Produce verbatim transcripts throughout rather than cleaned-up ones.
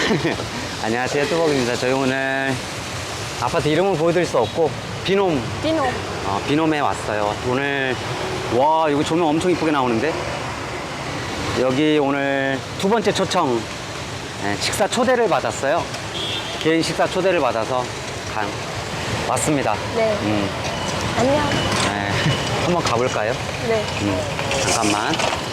안녕하세요, 뚜벅입니다. 저희 오늘 아파트 이름은 보여드릴 수 없고 비놈 비노. 어, 비놈에 왔어요. 오늘 와 이거 조명 엄청 이쁘게 나오는데 여기 오늘 두 번째 초청 네, 식사 초대를 받았어요. 개인 식사 초대를 받아서 간, 왔습니다. 네. 음, 안녕. 네, 한번 가볼까요? 네. 음, 잠깐만.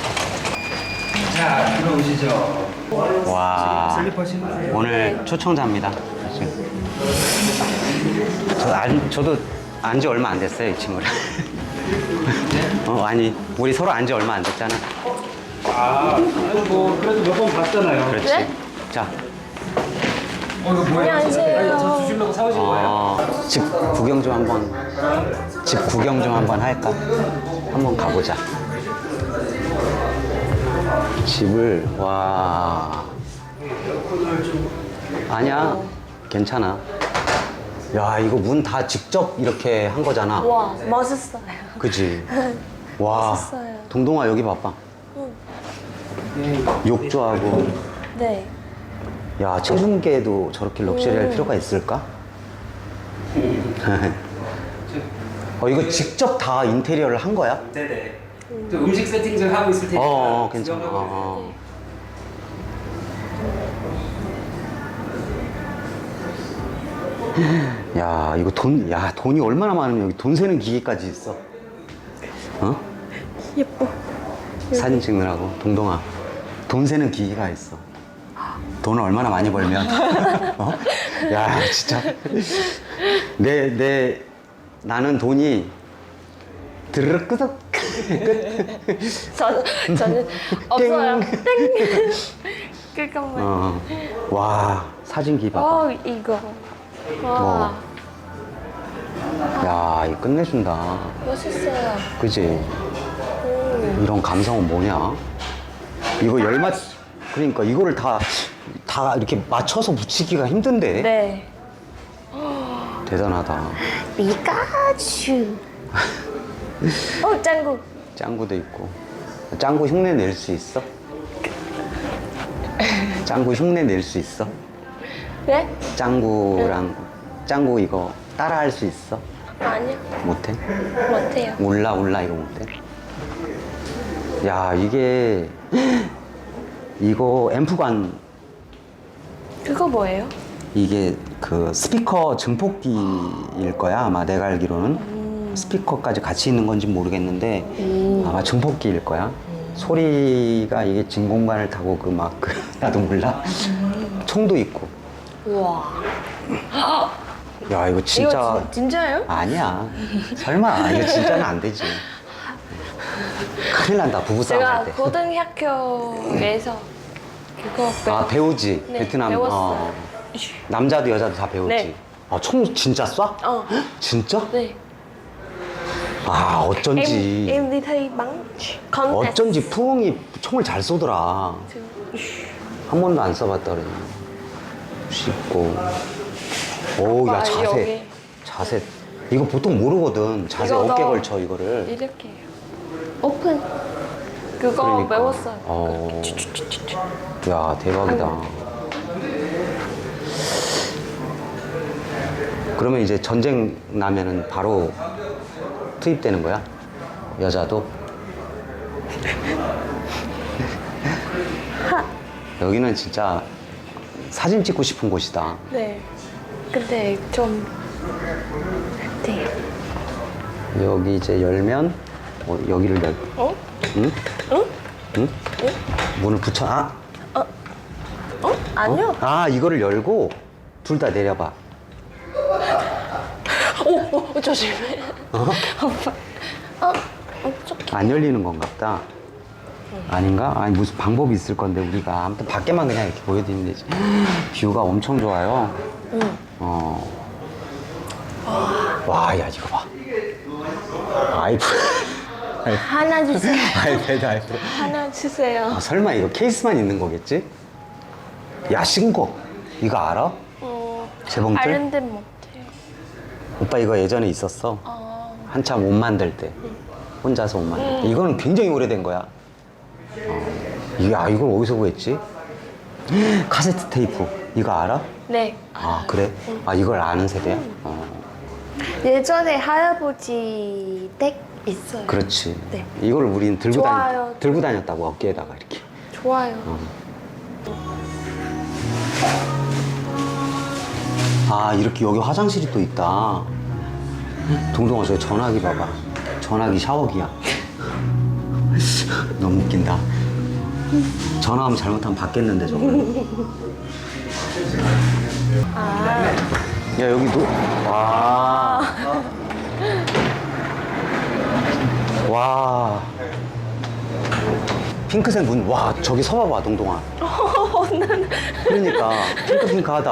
자, 들어오시죠. 와 슬리퍼 신으세요. 오늘 초청자입니다. 지금. 저 안, 저도 안지 얼마 안 됐어요, 이 친구를. 어, 아니 우리 서로 안지 얼마 안 됐잖아. 아, 뭐 그래도 몇 번 봤잖아요. 그렇지. 네? 자, 어, 이거 뭐예요? 안녕하세요. 아니, 저 주시려고 사오신 거예요? 어, 집 구경 좀 한번 집 구경 좀 한번 할까? 한번 가보자. 집을 와 아니야 괜찮아. 야 이거 문 다 직접 이렇게 한 거잖아. 와, 멋있어요. 그지? 와 멋있어요. 동동아 여기 봐봐. 욕조하고. 네. 야 체중계도 저렇게 럭셔리할 필요가 있을까? 어 이거 직접 다 인테리어를 한 거야? 네네. 또 음식 세팅 좀 하고 있을 테니까. 어, 어 괜찮아. 구경하고 어, 어. 야 이거 돈, 야 돈이 얼마나 많으면 여기 돈 세는 기계까지 있어. 어? 예뻐. 사진 찍느라고 동동아 돈 세는 기계가 있어. 돈을 얼마나 많이 벌면 어? 야 진짜 내 내 나는 돈이 드르륵 끄덕 저, 저는 없어요. 땡. 잠깐만. 어. 와 사진기 봐봐. 어, 이거. 와, 야 이거 끝내준다. 멋있어요. 그지? 음. 이런 감성은 뭐냐? 이거 열맞 그러니까 이거를 다 다 이렇게 맞춰서 붙이기가 힘든데. 네. 대단하다. 피카츄. 어, 짱구. 짱구도 있고. 짱구 흉내 낼 수 있어? 짱구 흉내 낼 수 있어? 네? 짱구랑 짱구 이거 따라 할 수 있어? 아니요. 못해? 못해요. 올라 올라 이거 못해? 야 이게 이거 앰프관 그거 뭐예요? 이게 그 스피커 증폭기일 거야 아마 내가 알기로는. 스피커까지 같이 있는 건지 모르겠는데 아마 증폭기일 거야. 소리가 이게 진공관을 타고 그 막 그 나도 몰라. 총도 있고. 우와. 야 이거 진짜 이거 진, 진짜예요? 아니야. 설마 이거 진짜는 안 되지. 큰일 난다 부부싸움 제가 할 때. 고등학교에서 그거 배우... 아 배우지. 네, 베트남 배웠어요. 어, 남자도 여자도 다 배우지. 네. 아, 총 진짜 쏴? 어. 진짜? 네. 아 어쩐지 Em, em đi thi bắn contest. 어쩐지 푸엉이 총을 잘 쏘더라. 한 번도 안 써봤다 그래. 쉽고. 오우 야 아, 자세 여기. 자세 이거 보통 모르거든. 자세 이거 어깨 너- 걸쳐 이거를. 이렇게 해요. 오픈. 그거 그러니까. 배웠어요. 어. 야 대박이다. 그러면 이제 전쟁 나면은 바로 투입되는 거야? 여자도? 여기는 진짜 사진 찍고 싶은 곳이다. 네. 근데 좀 네. 여기 이제 열면 어, 여기를 열. 어? 응? 응? 응? 문을 붙여. 아, 어? 아니요. 아 이거를 열고 둘 다 내려봐. 오, 오, 조심해. 어? 오빠. 어? 어떡해. 안 열리는 건가 보다. 아닌가? 아니 무슨 방법이 있을 건데 우리가 아무튼 밖에만 그냥 이렇게 보여드리면 되지. 뷰가 엄청 좋아요. 응. 어. 와, 야 이거 봐. 아이프. 하나 주세요. 아이패드 아이패드. 하나 주세요. 아, 설마 이거 케이스만 있는 거겠지? 야 신곡 이거 알아? 어. 재봉틀? 아는데 못해요. 오빠 이거 예전에 있었어. 어. 한참 옷 만들 때. 혼자서 옷 만들 때. 이거는 굉장히 오래된 거야. 어. 야 이걸 어디서 구했지? 카세트 테이프. 이거 알아? 네. 아 그래? 아 이걸 아는 세대야? 어. 예전에 할아버지 댁 있어요. 그렇지. 네. 이걸 우린 들고 좋아요. 다녔 들고 다녔다고 어깨에다가 이렇게. 좋아요. 어. 아 이렇게 여기 화장실이 또 있다. 동동아 저 전화기 봐봐. 전화기 샤워기야. 너무 웃긴다. 전화하면 잘못하면 받겠는데 저거. 아. 야 여기도 와. 와. 핑크색 문. 와 저기 서봐봐 동동아. 그러니까 핑크핑크하다.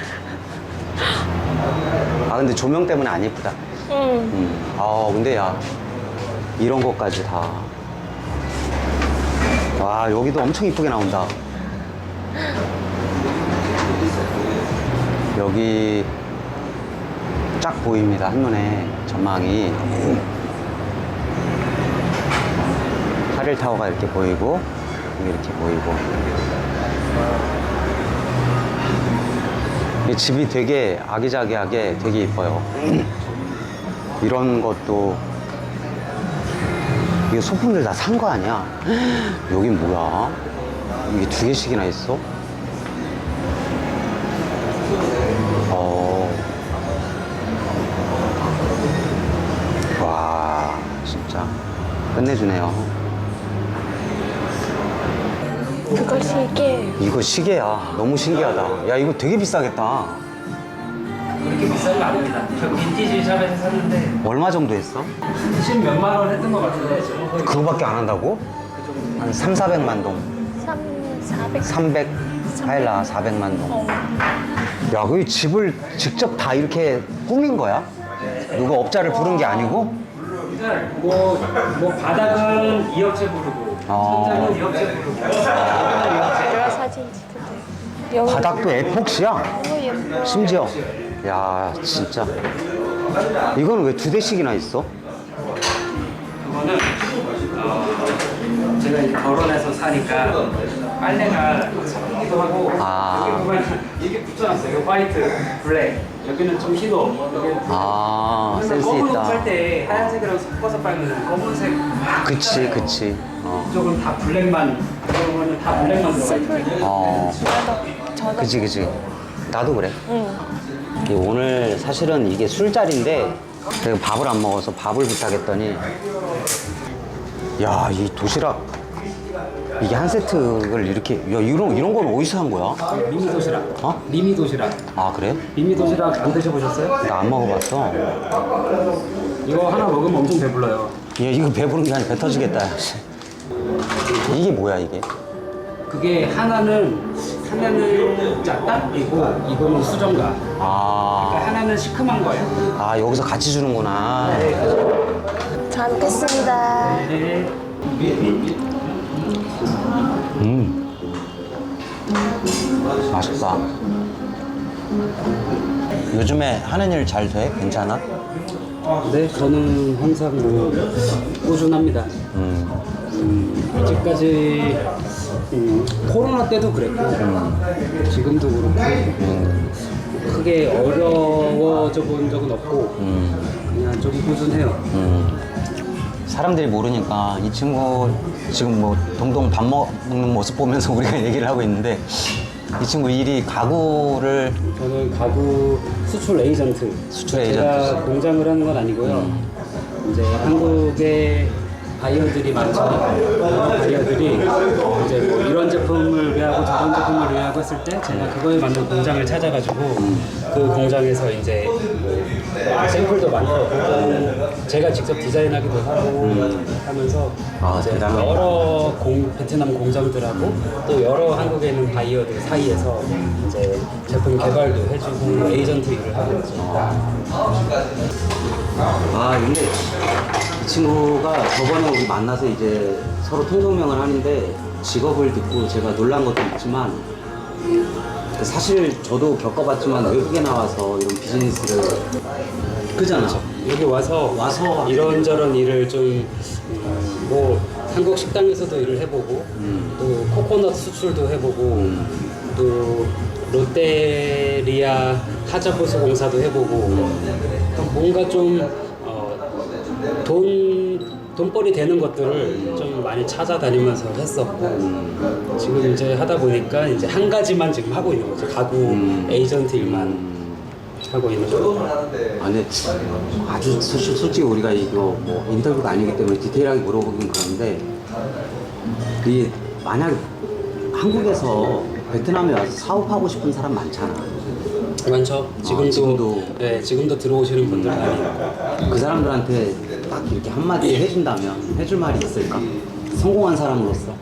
아 근데 조명 때문에 안 예쁘다. 응. 음. 아 근데 야 이런 것까지 다. 와 여기도 엄청 이쁘게 나온다. 여기 쫙 보입니다. 한눈에 전망이. 하릴타워가 이렇게 보이고 여기 이렇게 보이고. 이 집이 되게 아기자기하게 되게 이뻐요. 이런 것도 이게 소품들 다 산 거 아니야? 여긴 뭐야? 이게 두 개씩이나 있어? 어. 와, 진짜 끝내주네요. 그거 시계. 이거 시계야. 너무 신기하다. 야, 이거 되게 비싸겠다. 그렇게 비싼 거 아닙니다. 저 빈티지 샵에서 샀는데 얼마 정도 했어? 십 몇만 원 했던 것 같은데 저거 그거밖에 안 한다고? 한 삼, 사백만 동. 삼, 사백. 삼백, 하일라 사백만 동. 야, 그 집을 직접 다 이렇게 꾸민 거야? 누가 업자를 부른 게 아니고? 뭐, 뭐 바닥은 이 업체 부르고 어. 천장은 이 업체 부르고 제가 사진 찍을게. 여기 바닥도 에폭시야? 너무 예뻐. 심지어. 야, 진짜. 이건 왜 두 대씩이나 있어? 그거는 어, 제가 이제 결혼해서 사니까 빨래가 섞이기도 하고 아. 여기 보면 이렇게 붙여놨어요. 여기 화이트, 블랙 여기는 좀 희도 여기는 아, 그래서 센스 검은 옷 있다. 팔 때 하얀색이랑 섞어서 빨면 검은색 그치, 그치. 어. 이쪽은 다 블랙만 그러면 다 블랙만 들어가 있어요. 어. 저도 저도. 그치, 그치. 나도 그래. 응. 이게 오늘 사실은 이게 술자리인데 제가 밥을 안 먹어서 밥을 부탁했더니 야, 이 도시락 이게 한 세트를 이렇게 야, 이런 이런 건 어디서 산 거야? 미미 도시락. 어? 미미 도시락. 아, 그래? 미미 도시락 안 드셔보셨어요? 나 안 먹어봤어. 이거 하나 먹으면 엄청 배불러요. 야, 이거 배부른 게 아니라 배 터지겠다. 이게 뭐야, 이게? 그게 하나는 하나는 짜딱이고 이거는 수정가. 아, 그러니까 하나는 시큼한 거예요. 아 여기서 같이 주는구나. 잘 먹겠습니다. 네. 음, 맛있다. 요즘에 하는 일 잘 돼? 괜찮아? 네, 저는 항상 뭐 꾸준합니다. 음, 음, 아직까지 음, 코로나 때도 그랬고 지금도 그렇고 음, 크게 어려워져 본 적은 없고 음, 그냥 좀 꾸준해요. 음. 사람들이 모르니까 이 친구 지금 뭐 동동 밥 먹는 모습 보면서 우리가 얘기를 하고 있는데 이 친구 일이 가구를 저는 가구 수출 에이전트. 수출 제가 에이전트. 공장을 하는 건 아니고요. 이제 한국에 바이어들이 많죠. 바이어들이 이제 뭐 이런 제품을 위하고 저런 제품을 위하고 했을 때 제가 그거에 맞는 공장을 찾아가지고 그 공장에서 이제 뭐 샘플도 만들고 제가 직접 디자인하기도 하고 하면서 아, 이제 대단하다. 여러 공, 베트남 공장들하고 또 여러 한국에 있는 바이어들 사이에서 이제 제품 개발도 해주고 에이전트 일을 하고 있죠. 아 근데 이 친구가 저번에 우리 만나서 이제 서로 통성명을 하는데 직업을 듣고 제가 놀란 것도 있지만 사실 저도 겪어봤지만 외국에 나와서 이런 비즈니스를 그잖아. 여기 와서 와서 이런저런 일을 좀 뭐 한국 식당에서도 일을 해보고 음. 또 코코넛 수출도 해보고 음. 또 롯데리아 하자보수 공사도 해보고 그러니까 뭔가 좀 어, 돈 돈벌이 되는 것들을 좀 많이 찾아다니면서 했었고 지금 이제 하다 보니까 이제 한 가지만 지금 하고 있는 거죠. 가구 음. 에이전트 일만 하고 있는 거죠. 아, 근데 아주 솔직히, 솔직히 우리가 이거 뭐 인터뷰가 아니기 때문에 디테일하게 물어보긴 그런데 이 만약 한국에서 베트남에 와서 사업하고 싶은 사람 많잖아. 많죠. 지금도, 아, 지금도. 네, 지금도 들어오시는 분들 많이 있고. 그 사람들한테 딱 이렇게 한마디 해준다면 해줄 말이 있을까? 성공한 사람으로서.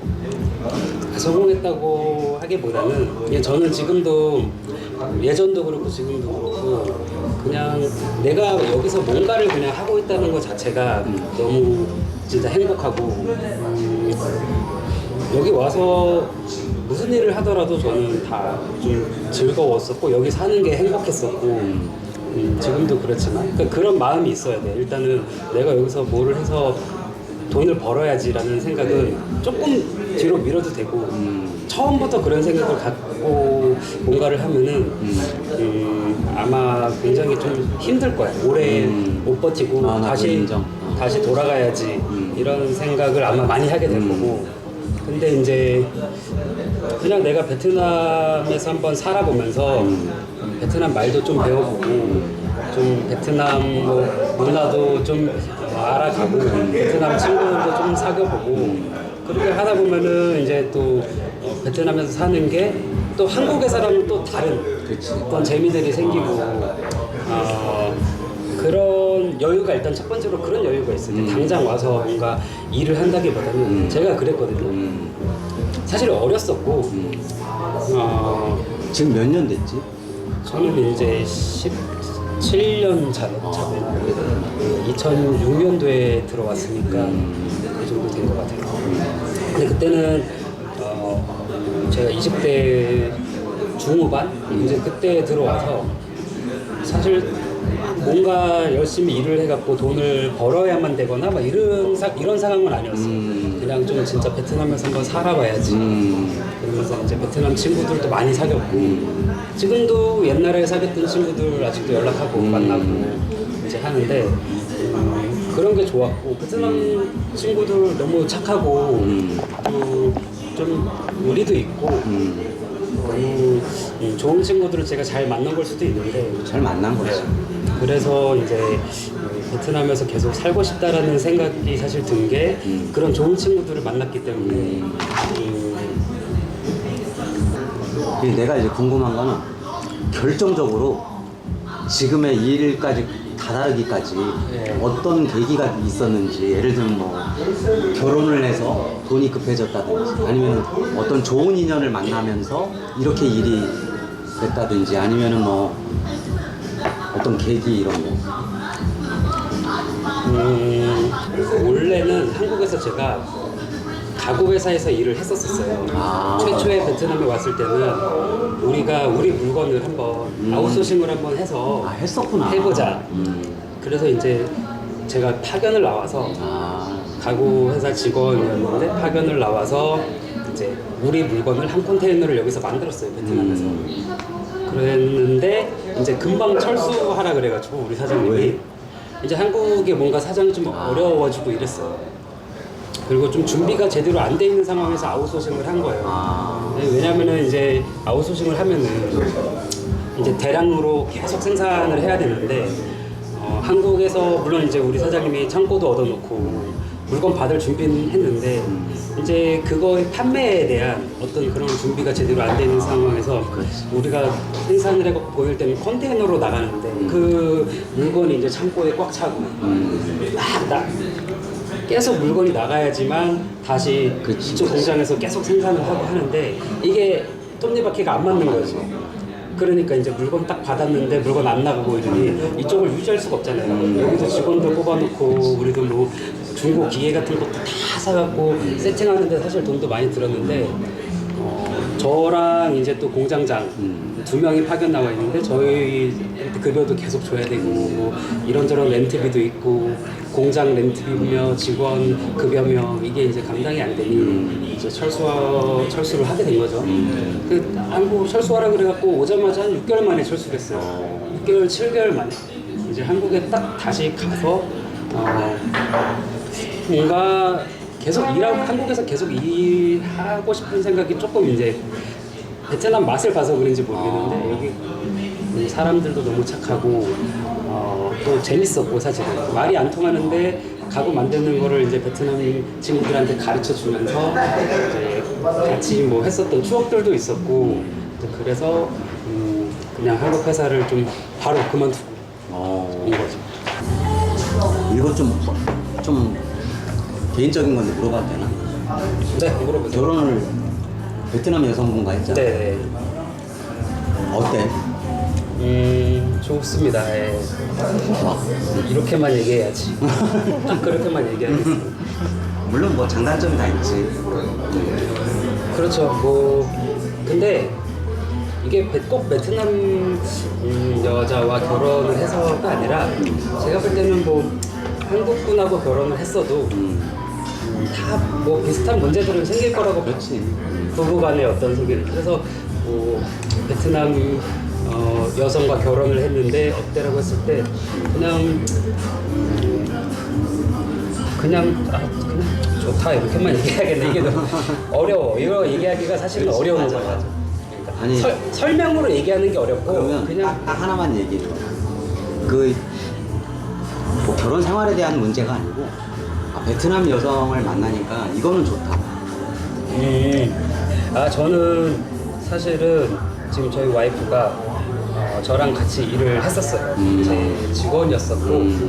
성공했다고 하기보다는 그냥 저는 지금도 예전도 그렇고 지금도 그렇고 그냥 내가 여기서 뭔가를 그냥 하고 있다는 것 자체가 너무 진짜 행복하고 음, 여기 와서 무슨 일을 하더라도 저는 다 좀 즐거웠었고 여기 사는 게 행복했었고 음, 지금도 그렇지만 그러니까 그런 마음이 있어야 돼. 일단은 내가 여기서 뭐를 해서 돈을 벌어야지라는 생각은 조금 뒤로 미뤄도 되고 음, 처음부터 그런 생각을 갖고 뭔가를 하면은 음, 아마 굉장히 좀 힘들 거야. 오래 음. 못 버티고 아, 나도 다시 인정. 어. 다시 돌아가야지 이런 생각을 아마 많이 하게 될 거고. 근데 이제 그냥 내가 베트남에서 한번 살아보면서 베트남 말도 좀 배워보고 좀 베트남 뭐 문화도 좀 알아가고 베트남 친구들도 좀 사귀어보고 그렇게 하다 보면은 이제 또 어, 베트남에서 사는 게 또 한국에서랑은 또 다른 그치. 어떤 재미들이 생기고 어, 그런 여유가 일단 첫 번째로 그런 여유가 있어요. 음. 당장 와서 뭔가 일을 한다기보다는 음. 제가 그랬거든요. 음. 사실 어렸었고 음. 어, 지금 몇 년 됐지? 저는 이제 십칠 년 차, 차고 이천육 년도에 들어왔으니까 그 정도 된 것 같아요. 근데 그때는 어, 제가 이십 대 중후반 이제 그때 들어와서 사실 뭔가 열심히 일을 해갖고 돈을 벌어야만 되거나 막 이런 사, 이런 상황은 아니었어요. 음. 그냥 좀 진짜 베트남에서 한번 살아봐야지. 음. 그러면서 이제 베트남 친구들도 많이 사귀었고 지금도 옛날에 사귀었던 친구들 아직도 연락하고 만나고 이제 하는데 음, 그런 게 좋았고 베트남 친구들 너무 착하고 음. 또 좀 의리도 있고 음. 너무 음, 좋은 친구들을 제가 잘 만난 걸 수도 있는데 잘 만난 거지. 그래서 이제 베트남에서 계속 살고 싶다라는 생각이 사실 든 게 음. 그런 좋은 친구들을 만났기 때문에 음, 그리고 내가 이제 궁금한 거는 결정적으로 지금의 이 일까지 다다르기까지 네. 어떤 계기가 있었는지, 예를 들면 뭐 결혼을 해서 돈이 급해졌다든지 아니면 어떤 좋은 인연을 만나면서 이렇게 일이 됐다든지 아니면은 뭐 어떤 계기 이런 거. 음, 원래는 한국에서 제가 가구 회사에서 일을 했었었어요. 아. 최초에 베트남에 왔을 때는 우리가 우리 물건을 한번 음. 아웃소싱을 한번 해서 아, 했었구나. 해보자. 음. 그래서 이제 제가 파견을 나와서 아. 가구 회사 직원이었는데 파견을 나와서 이제 우리 물건을 한 컨테이너를 여기서 만들었어요, 베트남에서. 음. 그랬는데 이제 금방 철수하라 그래가지고 우리 사장님이 왜? 이제 한국에 뭔가 사정이 좀 아. 어려워지고 이랬어요. 그리고 좀 준비가 제대로 안 돼 있는 상황에서 아웃소싱을 한 거예요. 아. 네, 왜냐면은 이제 아웃소싱을 하면은 이제 대량으로 계속 생산을 해야 되는데 어, 한국에서 물론 이제 우리 사장님이 창고도 얻어놓고 물건 받을 준비는 했는데 이제 그거의 판매에 대한 어떤 그런 준비가 제대로 안 되는 상황에서 우리가 생산을 해고 보일 때는 컨테이너로 나가는데 그 물건이 이제 창고에 꽉 차고 막 나, 계속 물건이 나가야지만 다시 그치, 이쪽 공장에서 계속 생산을 하고 하는데 이게 톱니바퀴가 안 맞는 거죠. 그러니까 이제 물건 딱 받았는데 물건 안 나가고 이러니 이쪽을 유지할 수가 없잖아요. 여기도 직원들 뽑아놓고 우리도 뭐 중고 기계 같은 것도 다 사갖고 세팅하는데 사실 돈도 많이 들었는데 어, 저랑 이제 또 공장장 음. 두 명이 파견 나와 있는데 저희 급여도 계속 줘야 되고 뭐 이런저런 렌트비도 있고 공장 렌트비며 직원 급여며 이게 이제 감당이 안 되니 이제 철수 철수를 하게 된 거죠. 그 한국 철수하라 그래갖고 오자마자 한 육 개월 만에 철수를 했어요. 육 개월, 칠 개월 만에 이제 한국에 딱 다시 가서 어, 뭔가 계속 일하고 한국에서 계속 일하고 싶은 생각이 조금 이제 베트남 맛을 봐서 그런지 모르겠는데 여기 사람들도 너무 착하고 어, 또 재밌었고 사실은 말이 안 통하는데 가구 만드는 거를 이제 베트남 친구들한테 가르쳐 주면서 이제 같이 뭐 했었던 추억들도 있었고 이제 그래서 음, 그냥 한국 회사를 좀 바로 그만두고 어. 온 거죠. 이거 좀, 좀 개인적인 건데 물어봐도 되나? 네, 물어보세요. 결혼을 베트남 여성분과 했잖아. 네, 어때? 음, 좋습니다. 예. 좋아? 이렇게만 얘기해야지. 좀 그렇게만 얘기하겠습니다. 물론 뭐 장단점이 다 있지. 그렇죠. 뭐 근데 이게 베- 꼭 베트남 음, 여자와 결혼을 해서가 아니라 제가 볼 때는 뭐 한국 분하고 결혼을 했어도 음. 다 뭐 비슷한 문제들은 생길 거라고 그렇지. 부부간의 어떤 소개를 그래서 뭐 베트남 어, 여성과 결혼을 했는데 어때라고 했을 때 그냥 음, 그냥 아, 그냥 좋다 이렇게만 얘기해야겠네. 이게 너무 어려워. 이거 얘기하기가 사실은 그렇지, 어려운 맞아, 거야. 맞아. 그러니까 아니, 설, 설명으로 얘기하는 게 어렵고 그러면 그냥 딱, 딱 하나만 얘기해. 그, 뭐 결혼 생활에 대한 문제가 아니고, 아, 베트남 여성을 만나니까 이거는 좋다. 음, 아 저는 사실은 지금 저희 와이프가 어, 저랑 같이 일을 했었어요. 음. 제 직원이었었고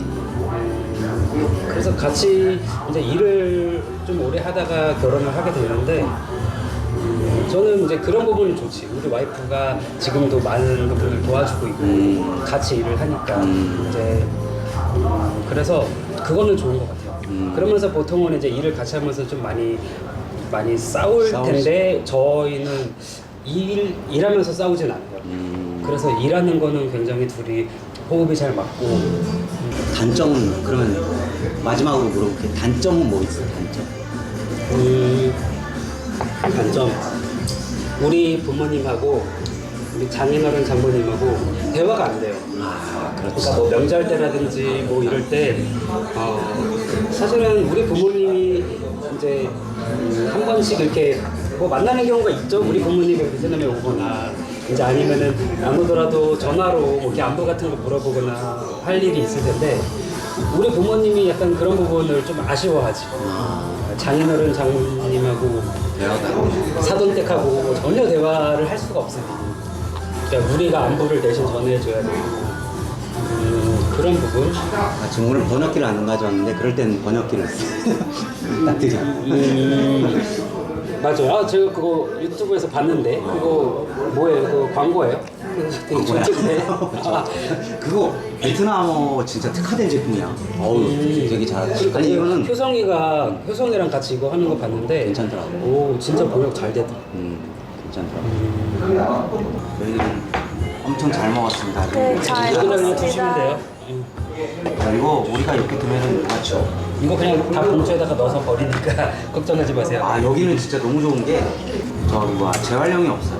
음, 그래서 같이 이제 일을 좀 오래 하다가 결혼을 하게 됐는데 음, 저는 이제 그런 부분이 좋지. 우리 와이프가 지금도 많은 부분을 도와주고 있고 음. 같이 일을 하니까 음. 이제 음, 그래서 그거는 좋은 것 같아요. 음. 그러면서 보통은 이제 일을 같이 하면서 좀 많이 많이 싸울 싸울 텐데 저희는 일 일하면서 싸우진 않아요. 음. 그래서 일하는 거는 굉장히 둘이 호흡이 잘 맞고 단점은, 그러면 마지막으로 물어볼게. 단점은 뭐 있어, 단점? 음, 단점 우리 부모님하고 우리 장인어른 장모님하고 대화가 안 돼요. 아, 그러니까 뭐 명절 때라든지 뭐 이럴 때 어, 사실은 우리 부모님이 이제 음, 한 번씩 이렇게 뭐 만나는 경우가 있죠. 우리 부모님이 베트남에 오거나 이제 아니면은 안 오더라도 전화로 뭐 이렇게 안부 같은 거 물어보거나 할 일이 있을 텐데 우리 부모님이 약간 그런 부분을 좀 아쉬워하지. 장인어른 장모님하고 대화가 사돈댁하고 전혀 대화를 할 수가 없어요. 그러니까 우리가 안부를 대신 전해줘야 되고 음, 그런 부분. 아, 지금 오늘 번역기를 안 가져왔는데 그럴 때는 번역기를 딱 드려. 음, 맞아요. 아, 제가 그거 유튜브에서 봤는데 그거 뭐예요? 그거 광고예요? 되게 광고야. 좋던데. 아, 그거 베트남어 진짜 특화된 제품이야. 어우, 되게 잘하지. 그러니까 아니 이거는 효성이가 효성이랑 같이 이거 하는 거 봤는데 괜찮더라고. 오, 진짜 번역 잘 됐다. 음, 괜찮더라고. 저희는 엄청 잘 먹었습니다. 네, 잘 이거 그냥 먹었습니다. 드시면 돼요. 음. 그리고 우리가 이렇게 두면은 누가 쳐? 이거 그냥 다 봉투에다가 넣어서 버리니까 걱정하지 마세요. 아, 여기는 진짜 너무 좋은 게 저기 뭐야 재활용이 없어요.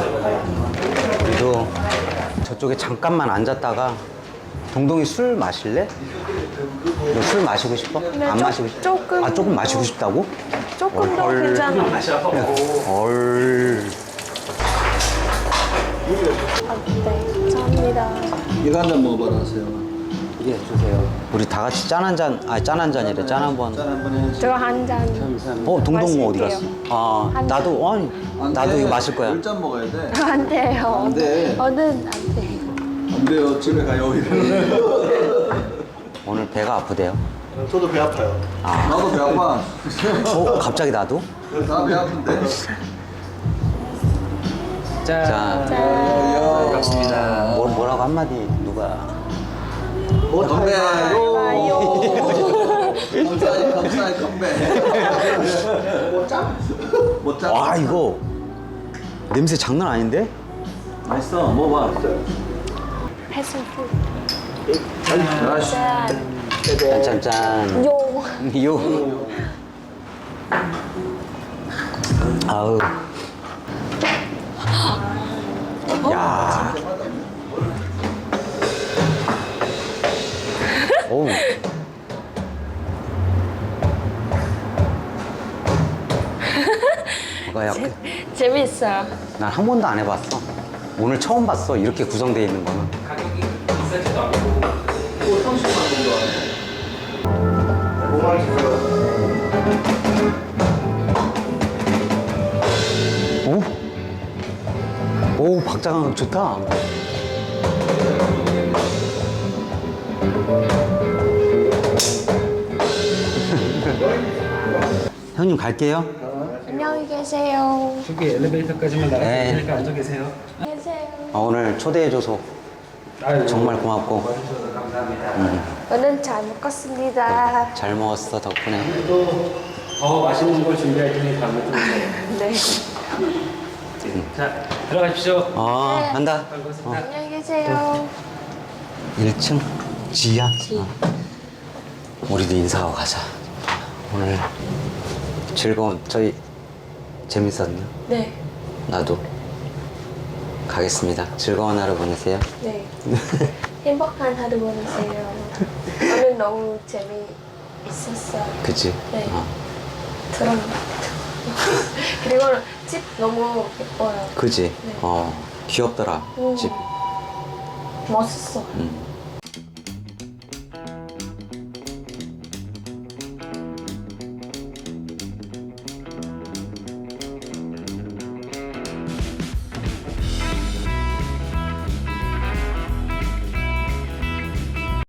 그래도 저쪽에 잠깐만 앉았다가 동동이 술 마실래? 너 술 마시고 싶어? 네, 안 조- 마시고 싶어? 조금. 아, 조금 마시고 싶다고? 조금 더 헐. 괜찮아. 헐. 아, 네, 감사합니다. 이거 한 잔 먹어봐라세요. 예, 주세요. 우리 다 같이 짠 한 잔, 아니 짠 한 잔이래. 짠 한 번. 짠 한번 해야지. 저 한 잔. 감사합니다. 어, 동동 어디 갔어? 마실게요. 아, 한 나도 아니, 안 나도 돼. 이거 마실 거야. 열 잔 먹어야 돼. 안 돼요. 안 돼. 저는 안 돼. 안 돼요. 집에 가요. 오늘 배가 아프대요. 저도 배 아파요. 아. 나도 배 아파. 어, 갑자기 나도? 나 배 아픈데. 자, 자, 반갑습니다. 뭐, 뭐라고 한마디 누가? 뭐 컴배. 봐요. 감사해, 감사해, 컴배. 못 짜? 못 짜? 와, 이거 냄새 장난 아닌데? 맛있어. 먹어봐. 패스푸드. 아씨. 짠. 짠짠. 요. 요. 아우. 야. 오. 이거 약간 재밌어요. 난 한 번도 안 해봤어. 오늘 처음 봤어. 이렇게 구성되어 있는 거는. 가격이 비싸지도 않고 또 삼십만 정도 하네. 오만 주세요. 오? 오, 박자감 좋다. 형님 갈게요. 안녕히 계세요. 저기 엘리베이터까지만 나갈 네. 테니까 앉아 계세요. 계세요. 아, 오늘 초대해줘서 아유, 정말 고맙고 와주셔서 감사합니다. 오늘 잘 먹었습니다. 잘 먹었어 덕분에. 또 더 맛있는 걸 준비할 테니 다음에 또 오세요. 네. 자, 들어가십시오. 어, 네. 간다. 반갑습니다. 안녕히 계세요. 일 층 지하. 어. 우리도 인사하고 가자. 오늘 즐거운 저희 재밌었네요. 네. 나도 가겠습니다. 즐거운 하루 보내세요. 네. 행복한 하루 보내세요. 오늘 너무 재미있었어요. 그치? 네. 어. 드럼. 그리고 집 너무 예뻐요. 그지? 네. 어, 귀엽더라, 음. 집. 멋있어. 음.